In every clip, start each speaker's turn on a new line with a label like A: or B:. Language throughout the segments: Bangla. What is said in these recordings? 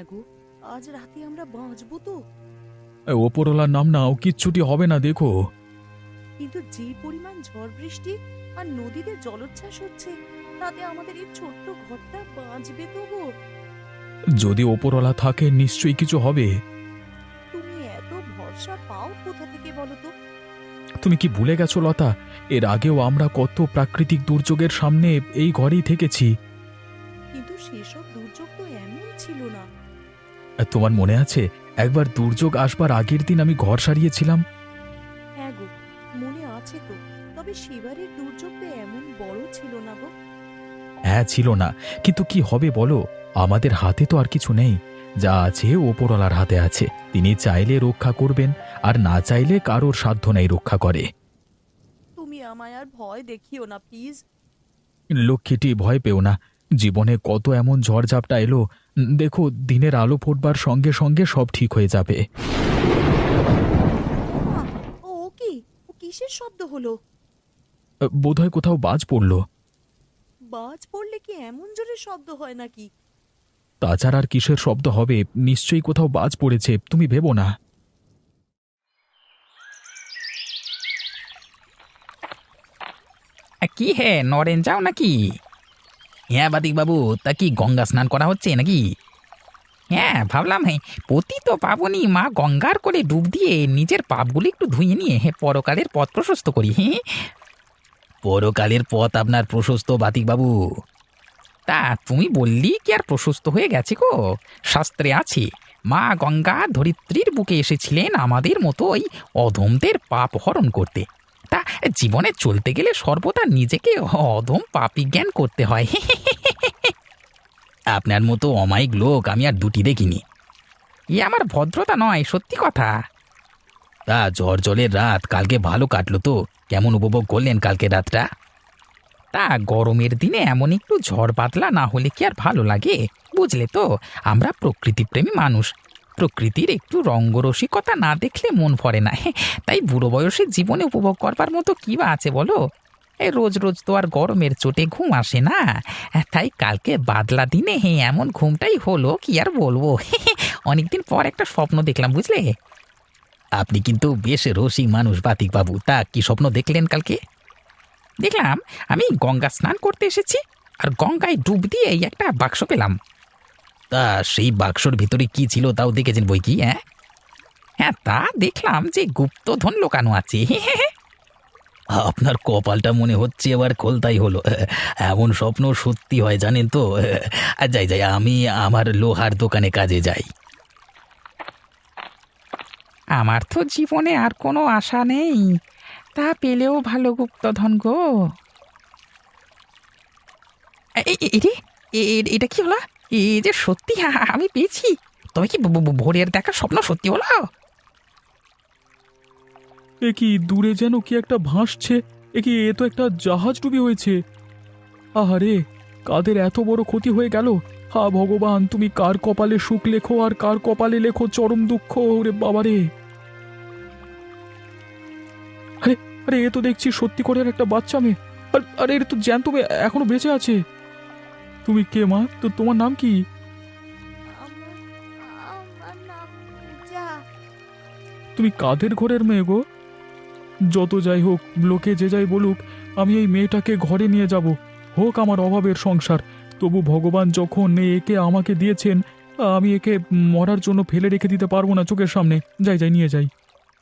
A: হ্যাঁ গো, আজ রাতে আমরা বাঁচবো তো?
B: ওপরওয়ালার নাম নাও, কিচ্ছুটি হবে না দেখো।
A: কিন্তু যে পরিমাণ ঝড় বৃষ্টি আর নদীতে জলোচ্ছ্বাস হচ্ছে, তাতে আমাদের এই ছোট্ট ঘরটা বাঁচবে তো গো?
B: যদি ওপরওয়ালা থাকে নিশ্চয়ই কিছু হবে।
A: তুমি এত ভরসা পাও কোথা থেকে বলো তো?
B: তুমি কি ভুলে গেছো লতা? এর আগেও আমরা কত প্রাকৃতিক দুর্যোগের সামনে এই ঘরেই থেকেছি।
A: কিন্তু সেসব দুর্যোগ তো এমন ছিল না।
B: আর তোমার মনে আছে একবার দুর্যোগ আসবার আগের দিন আমি ঘর সারিয়েছিলাম?
A: হ্যাঁ গো, মনে আছে তো। তবে সেবারের দুর্যোগ তো এমন বড় ছিল না গো।
B: হ্যাঁ ছিল না, কিন্তু কি হবে বলো? আমাদের হাতে তো আর কিছু নেই। যা আছে ওপরওয়ালার হাতে আছে। তিনি চাইলে রক্ষা করবেন, আর না চাইলে কারোর সাধ্য নেই রক্ষা করে।
A: তুমি আমায় আর ভয় দেখিও না প্লিজ।
B: লক্ষ্মীটি, ভয় পেও না। জীবনে কত এমন ঝড়ঝাপটা এলো। দেখো, দিনের আলো ফুটবার সঙ্গে সঙ্গে সব ঠিক হয়ে যাবে।
A: ওমা, ও কি? ও কিসের শব্দ হলো?
B: বোধহয় কোথাও বাজ পড়ল।
A: বাজ পড়লে কি এমন জোরে শব্দ হয় নাকি?
B: তাছাড়া আর কিসের শব্দ হবে? নিশ্চয়ই কোথাও বাজ পড়েছে, তুমি ভেবো না।
C: কি হে নরেন যাও নাকি? হ্যাঁ বাতিক বাবু, তা কি গঙ্গা স্নান করা হচ্ছে নাকি? হ্যাঁ ভাবলাম, হ্যাঁ পতিত পাবনী মা গঙ্গার করে ডুব দিয়ে নিজের পাপগুলি একটু ধুয়ে নিয়ে পরকালের পথ প্রশস্ত করি। পরকালের পথ আপনার প্রশস্ত বাতিক বাবু? তা তুমি বললি কি আর প্রশস্ত হয়ে গেছে গো? শাস্ত্রে আছে, মা গঙ্গা ধরিত্রীর বুকে এসেছিলেন আমাদের মতো ওই অধমদের পাপ হরণ করতে। তা জীবনে চলতে গেলে সর্বদা নিজেকে অধম পাপী জ্ঞান করতে হয়। আপনার মতো অমায়িক লোক আমি আর দুটি দেখিনি। এ আমার ভদ্রতা নয়, সত্যি কথা। তা ঝড় জলের রাত কালকে ভালো কাটলো তো? কেমন উপভোগ করলেন কালকে রাতটা? তা গরমের দিনে এমন একটু ঝড় বাদলা না হলে কি আর ভালো লাগে? বুঝলে তো, আমরা প্রকৃতিপ্রেমী মানুষ। প্রকৃতির একটু রঙ্গরসিকতা না দেখলে মন ভরে না। তাই বুড়ো বয়সে জীবনে উপভোগ করবার মতো কি বা আছে বলো? এই রোজ রোজ তো আর গরমের চোটে ঘুম আসে না। তাই কালকে বাদলা দিনে এমন ঘুমটাই হলো, কি আর বলবো। অনেকদিন পর একটা স্বপ্ন দেখলাম, বুঝলে? আপনি কিন্তু বেশ রসিক মানুষ বাতিক বাবু। তা কি স্বপ্ন দেখলেন কালকে? দেখলাম আমি গঙ্গা স্নান করতে এসেছি, আর গঙ্গায় ডুব দিয়ে এই একটা বাক্স পেলাম। তা সেই বাক্সর ভিতরে কি ছিল তাও দেখেছেন বই কি? হ্যাঁ হ্যাঁ, তা দেখলাম যে গুপ্তধন লোকানো আছে। আপনার কপালটা মনে হচ্ছে এবার খোলতাই হলো। এমন স্বপ্ন সত্যি হয় জানেন তো। যাই যাই, আমি আমার লোহার দোকানে কাজে যাই। আমার তো জীবনে আর কোনো আশা নেই, তা পেলেও ভালো গুপ্তধন গো। এরে, এটা কি হলো? এই যে সত্যি আমি পেয়েছি। তবে কি ভোরের দেখা স্বপ্ন সত্যি হলো?
B: এ কি, দূরে যেন কি একটা ভাসছে। এ কি, এ তো একটা জাহাজ ডুবি হয়েছে। আহারে, কাদের এত বড় ক্ষতি হয়ে গেল! হা ভগবান, তুমি কার কপালে সুখ লেখো আর কার কপালে লেখো চরম দুঃখ। ওরে বাবারে! আরে, আরে, এ তো দেখছি সত্যি করে একটা বাচ্চা মেয়ে। আরে, এর তো জ্যান্ত মেয়ে এখনো বেঁচে আছে। তুমি কে মা? তো তোমার নাম কি?
A: আমার আমার নাম পূজা।
B: তুমি কাদের ঘরের মেয়ে গো? যত যাই হোক, লোকে যে যাই বলুক, আমি এই মেয়েটাকে ঘরে নিয়ে যাব। হোক আমার অভাবের সংসার, তবু ভগবান যখন একে আমাকে দিয়েছেন, আমি একে মরার জন্য ফেলে রেখে দিতে পারবো না চোখের সামনে। যাই যাই, নিয়ে যাই।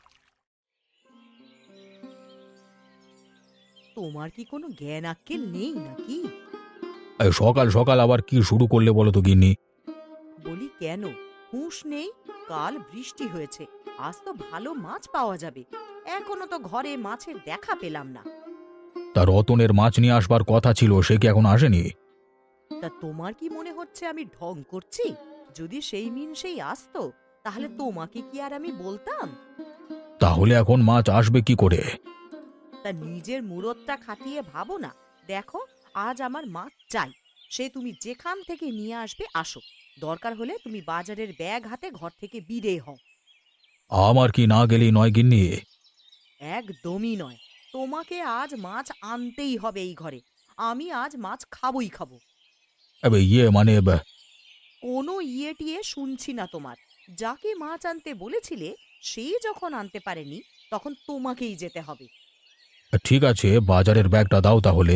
A: তোমার কি কোনো জ্ঞান আক্কেল নেই নাকি?
B: সকাল সকাল আবার কি শুরু করলে বলো তো গিন্নি?
A: বলি কেন, হুঁশ নেই? কাল বৃষ্টি হয়েছে, আজ তো ভালো মাছ পাওয়া যাবে। এখনো তো ঘরে মাছের দেখা পেলাম না।
B: তার রতনের মাছ নিয়ে আসবার কথা ছিল, সে কি এখন আসেনি?
A: তা তোমার কি মনে হচ্ছে আমি ঢং করছি? যদি সেই সেই আসতো, তাহলে তোমাকে কি আর আমি বলতাম?
B: তাহলে এখন মাছ আসবে কি করে?
A: তা নিজের মুরতটা খাটিয়ে ভাবো না। দেখো, আজ আমার মাছ চাই। সে তুমি যেখান থেকে নিয়ে আসবে আসো। দরকার হলে তুমি বাজারের ব্যাগ হাতে ঘর থেকে বিদে হও।
B: আমার কি না গেলেই নয় গিন্নি?
A: একদমই নয়। তোমাকে আজ মাছ আনতেই হবে এই ঘরে। আমি আজ মাছ খাবই খাবো।
B: ইয়ে মানে
A: কোনো ইয়ে টিয়ে শুনছি না তোমার। যাকে মাছ আনতে বলেছিলে সেই যখন আনতে পারেনি, তখন তোমাকেই যেতে হবে।
C: ঠিক আছে, বাজারের ব্যাগটা দাও তাহলে।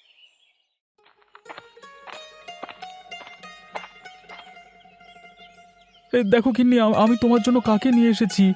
B: দেখো গিন্নি, আমি তোমার জন্য কাকে নিয়ে এসেছি।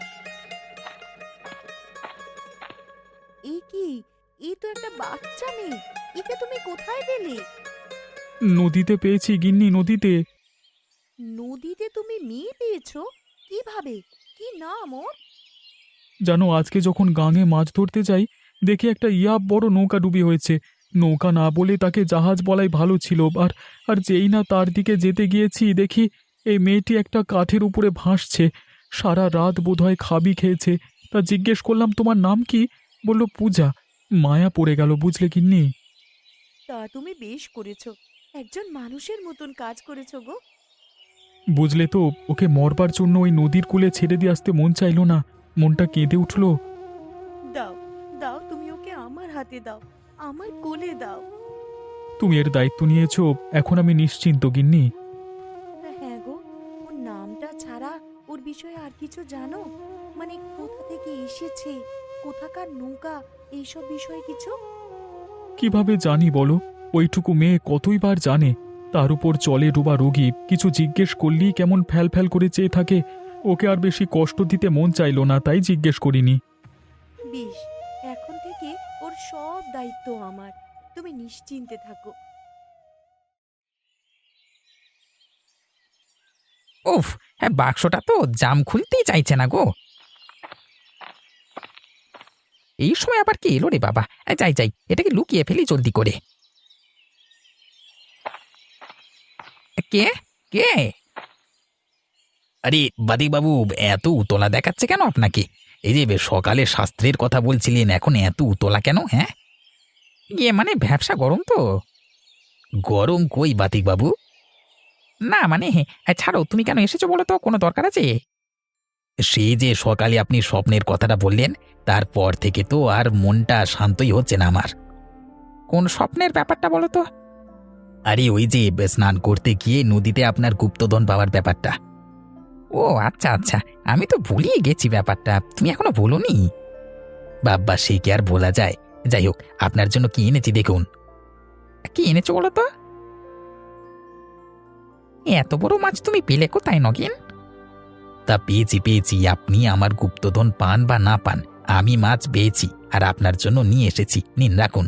A: এই কি, এই তো একটা বাচ্চা মেয়ে। একে তুমি কোথায় পেলে?
B: নদীতে পেয়েছি গিন্নি, নদীতে।
A: নদীতে তুমি মেয়ে পেয়েছো? কিভাবে? কি নাম ওর?
B: জানো, আজকে যখন গাঙে মাছ ধরতে যাই, দেখি একটা বড় নৌকা ডুবি হয়েছে। নৌকা না বলে তাকে জাহাজ বলাই ভালো ছিল। আর আর যেই না তার দিকে যেতে গিয়েছি, দেখি এই মেয়েটি একটা কাঠের উপরে ভাসছে। সারা রাত বোধহয় খাবি খেয়েছে। তা জিজ্ঞেস করলাম, তোমার নাম কি? বলল পূজা। মায়া পড়ে গেল, বুঝলে গিন্নি।
A: তা তুমি বেশ করেছো, একজন মানুষের মতন কাজ করেছো গো।
B: বুঝলে তো, ওকে মরবার জন্য ওই নদীর কূলে ছেড়ে দিয়ে আসতে মন চাইলো না। মনটা কেঁদে উঠল।
A: দাও, দাও, তুমি ওকে আমার হাতে দাও, আমার কোলে দাও।
B: তুমি এর দায়িত্ব নিয়েছো, এখন আমি নিশ্চিন্ত গিন্নি।
A: হ্যাঁ গো, ওর নামটা ছাড়া ওর বিষয়ে আর কিছু জানো? মানে কোথা থেকে এসেছে, কোথাকার নৌকা, এইসব বিষয়ে কিছু?
B: কিভাবে জানি বলো? ওইটুকু মেয়ে কতই বার জানে। তার উপর চলে ডোবা রোগী, কিছু জিজ্ঞেস করলেই কেমন ফ্যাল ফ্যাল করে চেয়ে থাকে। ওকে আর বেশি কষ্ট দিতে মন চাইলো না, তাই জিজ্ঞেস করিনি।
A: বেশ, এখন থেকে ওর সব দায়িত্ব আমার, তুমি নিশ্চিন্তে থাকো।
C: উফ, হ্যাঁ, বাক্সটা তো জাম খুলতেই চাইছে না গো। এই সময় আবার কি এলো রে বাবা! যাই যাই, এটাকে লুকিয়ে ফেলি জলদি করে। কে? কে? আরে বাদিক বাবু, এত উতলা দেখাচ্ছে কেন আপনাকে? এই যে সকালে শাস্ত্রের কথা বলছিলেন, এখন এত উতলা কেন? হ্যাঁ, মানে ব্যবসা গরম তো। গরম কই বাতিক বাবু? না মানে, ছাড়ো, তুমি কেন এসেছো বলো তো, কোনো দরকার আছে? সেই যে সকালে আপনি স্বপ্নের কথাটা বললেন, তারপর থেকে তো আর মনটা শান্তই হচ্ছে না আমার। কোন স্বপ্নের ব্যাপারটা বলো তো? আরে ওই যে স্নান করতে গিয়ে নদীতে আপনার গুপ্তধন পাওয়ার ব্যাপারটা। ও আচ্ছা আচ্ছা, আমি তো ভুলিয়ে গেছি ব্যাপারটা, তুমি এখনো বলোনি। বাব্বা, সে কি আর বলা যায়। যাই হোক, আপনার জন্য কি এনেছি দেখুন। কি এনেছো বলো তো? এত বড় মাছ তুমি পেলে কোথায় নগেন? তা পেয়েছি পেয়েছি, আপনি আমার গুপ্তধন পান বা না পান, আমি মাছ পেয়েছি আর আপনার জন্য নিয়ে এসেছি, নিন রাখুন।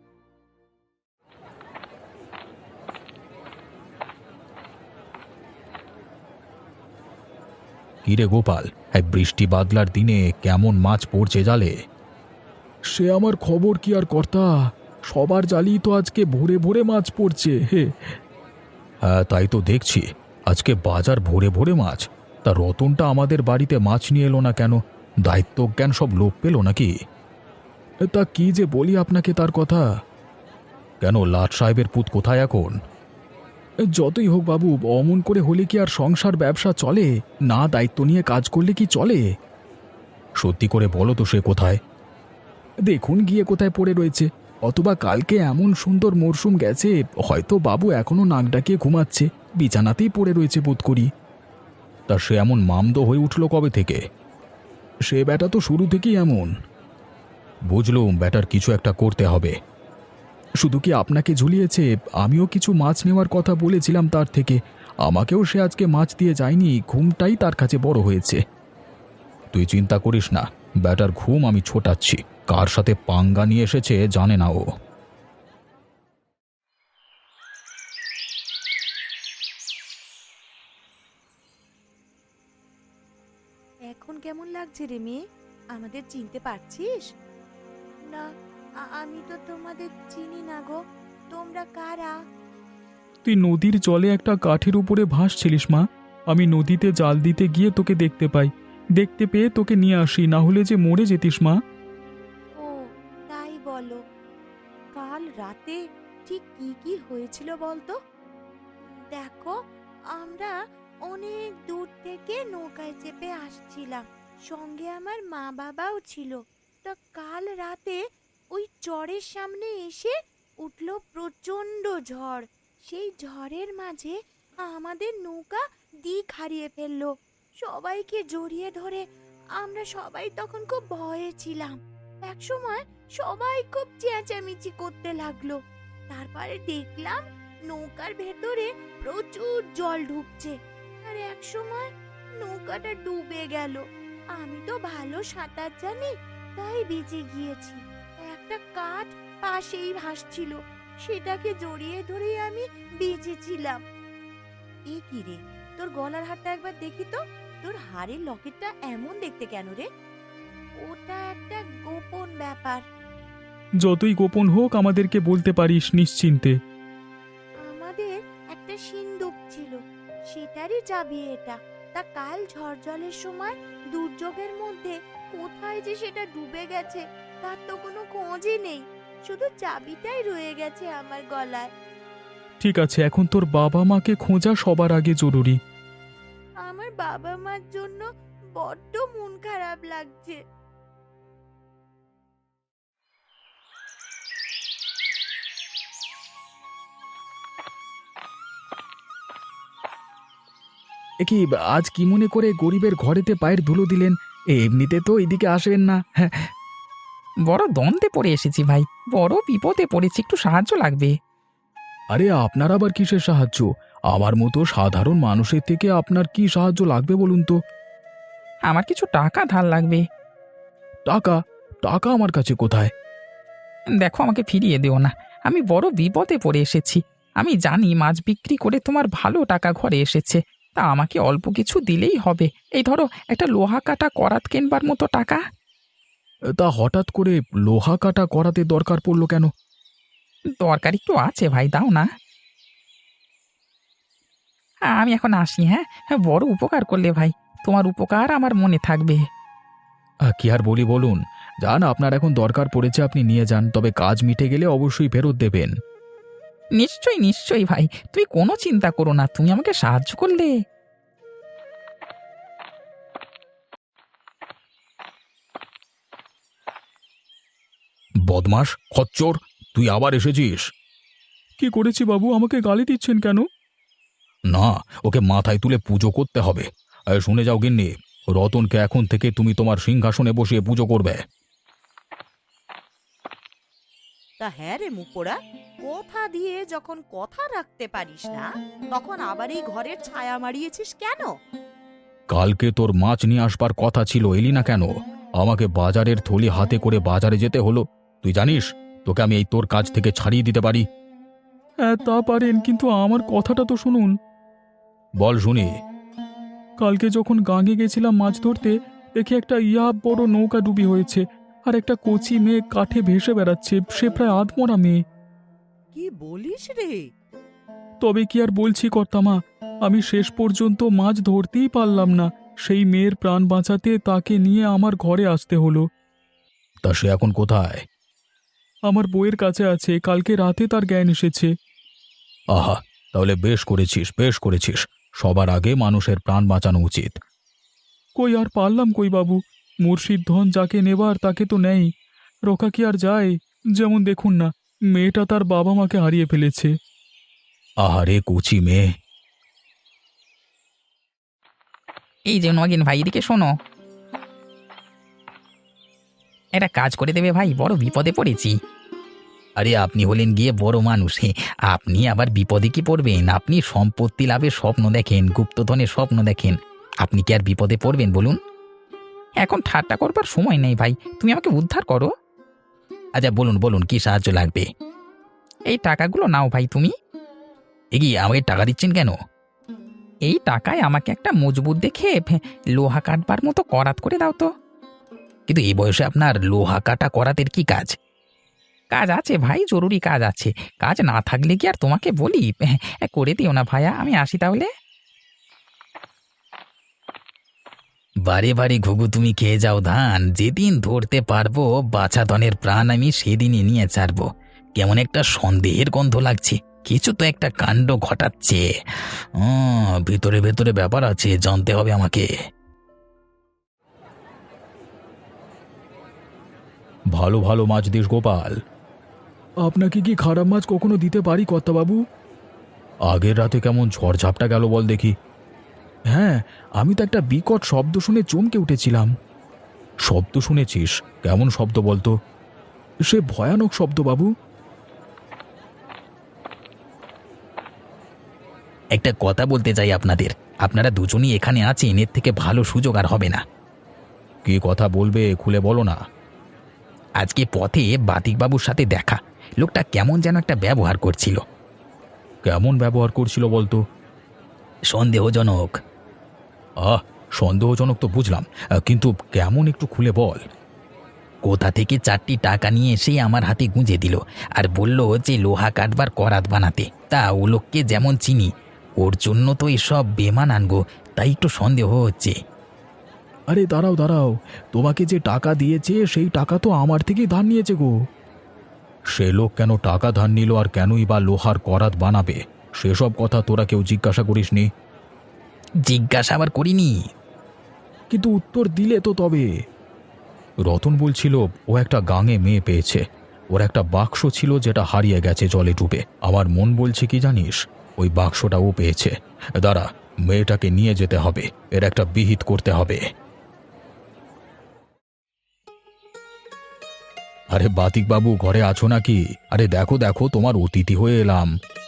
C: কিরে গোপাল, এই বৃষ্টি বাদলার দিনে কেমন মাছ পড়ছে জালে?
B: সে আমার খবর কি আর কর্তা, সবার জালই তো আজকে ভোরে ভোরে মাছ পড়ছে। হে,
C: হ্যাঁ তাই তো দেখছি, আজকে বাজার ভরে ভরে মাছ। তা রতনটা আমাদের বাড়িতে মাছ নিয়ে এলো না কেন? দায়িত্বজ্ঞান সব লোপ পেল নাকি?
B: তা কি যে বলি আপনাকে তার কথা।
C: কেন, লাট সাহেবের পুত কোথায় এখন?
B: যতই হোক বাবু, অমন করে হলে কি আর সংসার ব্যবসা চলে? না দায়িত্ব নিয়ে কাজ করলে কি চলে?
C: সত্যি করে বলো তো, সে কোথায়?
B: দেখুন গিয়ে কোথায় পড়ে রয়েছে। অথবা কালকে এমন সুন্দর মরশুম গেছে, হয়তো বাবু এখনো নাক ডাকিয়ে ঘুমাচ্ছে, বিছানাতেই পড়ে রয়েছে বোধ করি।
C: তা সে এমন মামদো হয়ে উঠল কবে থেকে?
B: সে ব্যাটা তো শুরু থেকেই এমন।
C: বুঝলুম, ব্যাটার কিছু একটা করতে হবে।
B: শুধু কি আপনাকে ঝুলিয়েছে? আমিও কিছু মাছ নেওয়ার কথা বলেছিলাম তার থেকে। আমাকেও সে আজকে মাছ দিয়ে যায়নি, ঘুমটাই তার কাছে বড় হয়েছে।
C: তুই চিন্তা করিস না, ব্যাটার ঘুম আমি ছোটাচ্ছি। কার সাথে পাঙ্গা নিয়ে এসেছে জানে না ও।
A: এখন কেমন লাগছে রে মেয়ে? আমাদের চিনতে পারছিস? না, আমি তো তোমাদের চিনি না গো, তোমরা কারা?
B: তুই নদীর জলে একটা কাঠের উপরে ভাসছিলিস মা। আমি নদীতে জাল দিতে গিয়ে তোকে দেখতে পাই, দেখতে পেয়ে তোকে নিয়ে আসি, না হলে যে মরে যেতিস মা।
A: ও, তাই বলো। কাল রাতে ঠিক কি কি হয়েছিল বলতো? দেখো, আমরা অনেক দূর থেকে নৌকায় চেপে আসছিলাম, সঙ্গে আমার মা বাবাও ছিল। তা কাল রাতে ওই চরের সামনে এসে উঠল প্রচণ্ড ঝড়। সেই ঝড়ের মাঝে
D: আমাদের নৌকা দিক হারিয়ে ফেললো। সবাইকে জড়িয়ে ধরে আমরা সবাই তখন খুব ভয়ে ছিলাম। একসময় সবাই খুব চেঁচামেচি করতে লাগলো। তারপরে দেখলাম নৌকার ভেতরে প্রচুর জল ঢুকছে, আর একসময় নৌকাটা ডুবে গেল। আমি তো ভালো সাঁতার জানি, তাই বেঁচে গিয়েছি। একটা কাঠ পাশেই ভাসছিল, সেটাকে জড়িয়ে ধরে আমি বেঁচেছিলাম।
A: এ কি রে, তোর গলার হারটা একবার দেখি তো। তোর হাড়ের লকেটটা এমন দেখতে কেন রে?
D: ওটা একটা গোপন ব্যাপার।
B: যতই গোপন হোক আমাদেরকে বলতে পারিস নিশ্চিন্তে।
D: আমাদের একটা সিন্দুক ছিল, সেটারই চাবি এটা। তা কাল ঝড় জলের সময় দুর্যোগের মধ্যে কোথায় যে সেটা ডুবে গেছে তার তো কোনো খোঁজই নেই। শুধু চাবিটাই রয়ে গেছে আমার গলায়।
B: ঠিক আছে, এখন তোর বাবা মাকে খোঁজা সবার আগে জরুরি।
D: আমার বাবা মার জন্য বড্ড মন খারাপ লাগছে।
C: কি আজ কি মনে করে গরিবের ঘরেতে পায়ের ধুলো দিলেন? এমনিতে তো এদিকে আসবেন না। বড় দ্বন্দ্বে পড়ে এসেছি ভাই, বড় বিপদে পড়েছি, একটু সাহায্য লাগবে। আরে আপনার আবার কিসের সাহায্য? আমার মতো সাধারণ মানুষের থেকে আপনার কি সাহায্য লাগবে বলুন তো? আমার কিছু টাকা ধার লাগবে। টাকা? টাকা আমার কাছে কোথায়? দেখো, আমাকে ফিরিয়ে দিও না, আমি বড় বিপদে পড়ে এসেছি। আমি জানি মাছ বিক্রি করে তোমার ভালো টাকা ঘরে এসেছে, তা আমাকে অল্প কিছু দিলেই হবে। এই ধরো একটা লোহা কাটা করাত কেনবার মতো টাকা। তা হঠাৎ করে লোহা কাটা করাতে দরকার পড়লো কেন? দরকার একটু আছে ভাই, দাও না। আমি এখন আসি। হ্যাঁ, বড় উপকার করলে ভাই, তোমার উপকার আমার মনে থাকবে। কি আর বলি বলুন, যান, আপনার এখন দরকার পড়েছে, আপনি নিয়ে যান, তবে কাজ মিটে গেলে অবশ্যই ফেরত দেবেন। নিশ্চয়ই নিশ্চয়ই ভাই, তুমি কোনো চিন্তা করো না, তুমি আমাকে সাহায্য করলে। বদমাস, খচ্চর, তুই আবার এসেছিস?
B: কি করেছি বাবু, আমাকে গালি দিচ্ছেন কেন?
C: না, ওকে মাথায় তুলে পুজো করতে হবে। শুনে যাও গিন্নি, রতনকে এখন থেকে তুমি তোমার সিংহাসনে বসিয়ে পুজো করবে।
A: তা হ্যাঁ রে মুখপোড়া, কথা দিয়ে যখন কথা রাখতে পারিস না, তখন আবার এই ঘরের ছায়া মারিয়েছিস কেন?
C: কালকে তোর মাছ নিয়ে আসবার কথা ছিল, এলি না কেন? আমাকে বাজারের থলি হাতে করে বাজারে যেতে হলো। তুই জানিস তোকে আমি এই তোর কাজ থেকে ছাড়িয়ে দিতে পারি।
B: হ্যাঁ তা পারেন, কিন্তু আমার কথাটা তো শুনুন।
C: বল শুনি।
B: কালকে যখন গাঙে গেছিলাম মাছ ধরতে, দেখি একটা বড় নৌকা ডুবি হয়েছে, আর একটা কচি মেয়ে কাঠে ভেসে বেড়াচ্ছে, সে প্রায় আধমরা মেয়ে।
A: কি বলিস রে?
B: তবে কি আর বলছি কর্তামা, আমি শেষ পর্যন্ত মাছ ধরতেই পারলাম না। সেই মেয়ের প্রাণ বাঁচাতে তাকে নিয়ে আমার ঘরে আসতে হলো।
C: তা সে এখন কোথায়?
B: আমার বউয়ের কাছে আছে, কালকে রাতে তার জ্ঞান এসেছে।
C: আহা, তাহলে বেশ করেছিস, বেশ করেছিস। সবার আগে মানুষের প্রাণ বাঁচানো উচিত।
B: কই আর পারলাম কই বাবু, মুর্শিদ ধন যাকে নেবার তাকে তো নেই, রোকা কি আর যায়? যেমন দেখুন না, মেয়েটা তার বাবা মাকে হারিয়ে ফেলেছে।
C: আহারে কুচি মেয়ে। এই যে নগেন ভাই, এদিকে শোনো, একটা কাজ করে দেবে ভাই, বড় বিপদে পড়েছি। আরে আপনি হলেন গিয়ে বড় মানুষ, আপনি আবার বিপদে কি পড়বেন? আপনি সম্পত্তি লাভের স্বপ্ন দেখেন, গুপ্তধনের স্বপ্ন দেখেন, আপনি কি আর বিপদে পড়বেন বলুন? এখন ঠাট্টা করবার সময় নেই ভাই, তুমি আমাকে উদ্ধার করো। আচ্ছা বলুন বলুন, কি সাহায্য লাগবে? এই টাকাগুলো নাও ভাই তুমি। এগিয়ে আমাকে টাকা দিচ্ছেন কেন? এই টাকায় আমাকে একটা মজবুত দেখে লোহা কাটবার মতো করাত করে দাও তো। কিন্তু এই বয়সে আপনার লোহা কাটা করাতের কি কাজ? কাজ আছে ভাই, জরুরি কাজ আছে, কাজ না থাকলে কি আর তোমাকে বলি? করে দিও না ভাইয়া, আমি আসি তাহলে। বারে বারে ঘুঘু তুমি খেয়ে যাও ধান, যেদিন ধরতে পারবো বাছা ধনের প্রাণ আমি সেদিনই নিয়ে ছাড়বো। কেমন একটা সন্দেহের গন্ধ লাগছে, কিছু তো একটা কাণ্ড ঘটাচ্ছে। ভিতরে ভেতরে ব্যাপার আছে, জানতে হবে আমাকে। ভালো ভালো মাছ দিস গোপাল।
B: আপনাকে কি খারাপ মাছ কখনো দিতে পারি কর্তাবাবু? আগের রাতে কেমন ঝড়ঝাপটা গেল বল দেখি। হ্যাঁ, আমি তো একটা বিকট শব্দ শুনে চমকে উঠেছিলাম। শব্দ শুনেছিস? কেমন শব্দ বলতো? সে ভয়ানক শব্দ বাবু।
C: একটা কথা বলতে চাই আপনাদের, আপনারা দুজনই এখানে আছেন, এর থেকে ভালো সুযোগ আর হবে না।
B: কি কথা বলবে, খুলে বলো না।
C: আজকে পথে বাতিকবাবুর সাথে দেখা, লোকটা কেমন যেন একটা ব্যবহার করছিল।
B: কেমন ব্যবহার করছিল বলতো?
C: সন্দেহজনক।
B: সন্দেহজনক তো বুঝলাম, কিন্তু কেমন একটু খুলে বল।
C: কোথা থেকে 4টি টাকা নিয়ে এসে আমার হাতে গুঁজে দিল আর বলল যে লোহা কাটবার করাত বানাতে। তা ও লোককে যেমন চিনি, ওর জন্য তো এসব বেমান আনগো, তাই একটু সন্দেহ হচ্ছে।
B: আরে দাঁড়াও দাঁড়াও, তোমাকে যে টাকা দিয়েছে সেই টাকা তো আমার থেকেই ধার নিয়েছে গো। সে লোক কেন টাকা ধার নিল আর কেনই বা লোহার করাত বানাবে, সেসব কথা তোরা কেউ জিজ্ঞাসা করিসনি?
C: জিজ্ঞাসা আবার করিনি।
B: কিন্তু উত্তর দিলে তো তবে। রতন বলছিল ও একটা গাঙে মেয়ে পেয়েছে, ওর একটা বাক্স ছিল যেটা হারিয়ে গেছে জলে ডুবে। আমার মন বলছে কি জানিস, ওই বাক্সটা ও পেয়েছে। দাঁড়া, মেয়েটাকে নিয়ে যেতে হবে, এর একটা বিহিত করতে হবে। আরে বাতিক বাবু, ঘরে আছো নাকি? আরে দেখো দেখো, তোমার অতিথি হয়ে এলাম।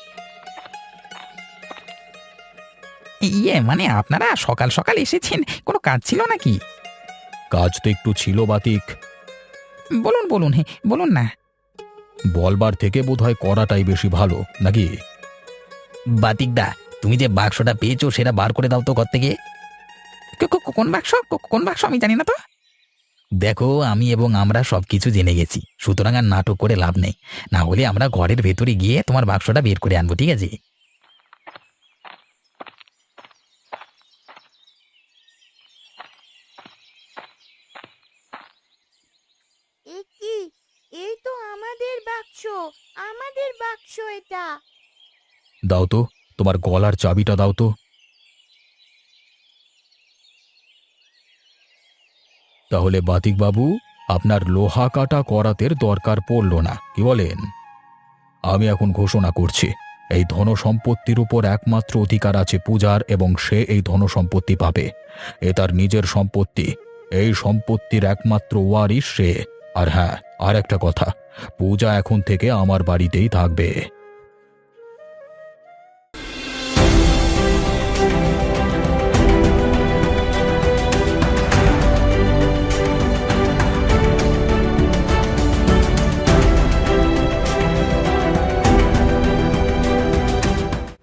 C: মানে আপনারা সকাল সকাল এসেছেন, কোনো কাজ ছিল নাকি?
B: কাজ তো একটু ছিল বাতিক।
C: বলুন বলুন, হ্যাঁ বলুন না।
B: বলবার থেকে বোধহয় করাটাই বেশি ভালো নাকি?
C: বাতিকদা, তুমি যে বাক্সটা পেয়েছো সেটা বার করে দাও তো ঘর থেকে। কোন বাক্স? কোন বাক্স আমি জানি না তো। দেখো, আমি এবং আমরা সবকিছু জেনে গেছি, সুতরাং আর নাটক করে লাভ নেই। না হলে আমরা ঘরের ভেতরে গিয়ে তোমার বাক্সটা বের করে আনবো, ঠিক আছে?
D: এ কি? এই তো আমাদের বাক্স, আমাদের বাক্স এটা।
B: দাও তো, তোমার গলার চাবিটা দাও তো। তাহলে বাতিক বাবু, আপনার লোহা কাটা করাতের দরকার পড়ল না, কি বলেন? আমি এখন ঘোষণা করছি, এই ধন সম্পত্তির উপর একমাত্র অধিকার আছে পূজার, এবং সে এই ধন সম্পত্তি পাবে। এ তার নিজের সম্পত্তি, এই সম্পত্তির একমাত্র ওয়ারিশ সে। আর হ্যাঁ, আর একটা কথা, পূজা এখন থেকে আমার বাড়িতেই থাকবে।